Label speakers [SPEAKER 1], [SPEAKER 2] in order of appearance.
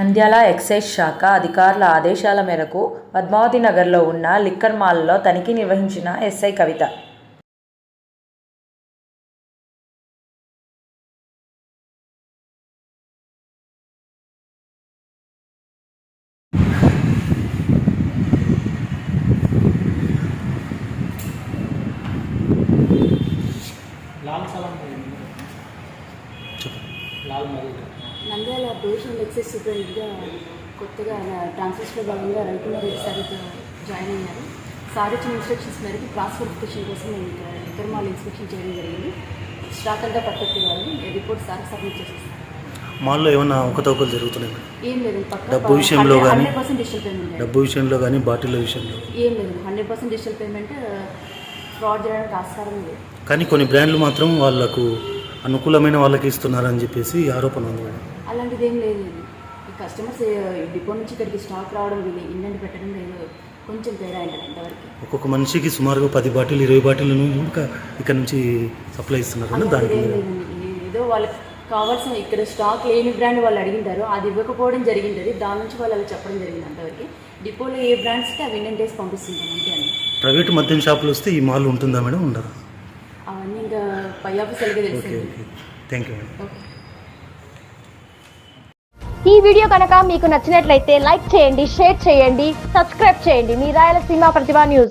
[SPEAKER 1] Nandyal excise శాఖ అధికారుల ఆదేశాల మేరకు పద్మావతి నగర్లో ఉన్న లిక్కర్ మాల్లో తనిఖీ నిర్వహించిన SI Kavitha.
[SPEAKER 2] Nandyal provisional excise సూపరింటెండెంట్గా కొత్తగా ట్రాన్స్ఫర్స్లో భాగంగా రవికుమార్ రెడ్డి సార్తో జాయిన్ అయ్యారు. సార్ ఇచ్చిన ఇన్స్ట్రక్షన్స్ మేరకు క్రాస్ వెరిఫికేషన్ కోసం నేను లిక్కర్ మాల్ ఇన్స్పెక్షన్ చేయడం జరిగింది. స్టాక్ అంతా పర్ఫెక్ట్ కావాలి, రిపోర్ట్ సార్ సబ్మిట్ చేసేస్తాను.
[SPEAKER 3] మాల్లో ఏమైనా అవకతవకలు జరుగుతున్నాయి?
[SPEAKER 2] ఏం లేదు.
[SPEAKER 3] డబ్బు విషయంలో కానీ
[SPEAKER 2] 100% డిజిటల్ పేమెంట్.
[SPEAKER 3] డబ్బు విషయంలో కానీ బాటిల్ విషయంలో
[SPEAKER 2] ఏం లేదు. 100% డిజిటల్ పేమెంట్. ఫ్రాడ్ చేయడానికి ఆస్కారం లేదు.
[SPEAKER 3] కానీ కొన్ని బ్రాండ్లు మాత్రం వాళ్ళకు అనుకూలమైన వాళ్ళకి ఇస్తున్నారని చెప్పేసి ఆరోపణ ఉంది.
[SPEAKER 2] అలాంటిది ఏం లేదు. ఈ కస్టమర్స్ డిపో నుంచి ఇక్కడికి స్టాక్ రావడం వీళ్ళు ఇండెంట్ పెట్టడం లేదు, కొంచెం తేడా ఉంటుంది అంతవరకు. ఒక్కొక్క
[SPEAKER 3] మనిషికి సుమారుగా 10 బాటిల్ 20 బాటిల్ను ఇంకా ఇక్కడ నుంచి సప్లై ఇస్తున్నారు. దానికి
[SPEAKER 2] ఏదో వాళ్ళకి కావాల్సిన ఇక్కడ స్టాక్ లేని బ్రాండ్ వాళ్ళు అడిగింటారు, అది ఇవ్వకపోవడం జరిగింది. దాని నుంచి వాళ్ళు అవి చెప్పడం జరిగింది అంతవరకు. డిపోలో ఏ బ్రాండ్స్కి అవి ఇండెంట్ వేసి పంపిస్తుంటాం అంతే అండి.
[SPEAKER 3] ప్రైవేట్ మద్యం షాపులు వస్తే ఈ మాల్ ఉంటుందా మేడం? ఉండదు.
[SPEAKER 2] అవన్నీ ఇంకా పై ఆఫీసర్గా తెలుసు.
[SPEAKER 3] Thank you madam.
[SPEAKER 4] ఈ వీడియో కనుక మీకు నచ్చినట్లయితే లైక్ చేయండి, షేర్ చేయండి, సబ్స్క్రైబ్ చేయండి. మీ రాయలసీమ ప్రతిభ న్యూస్.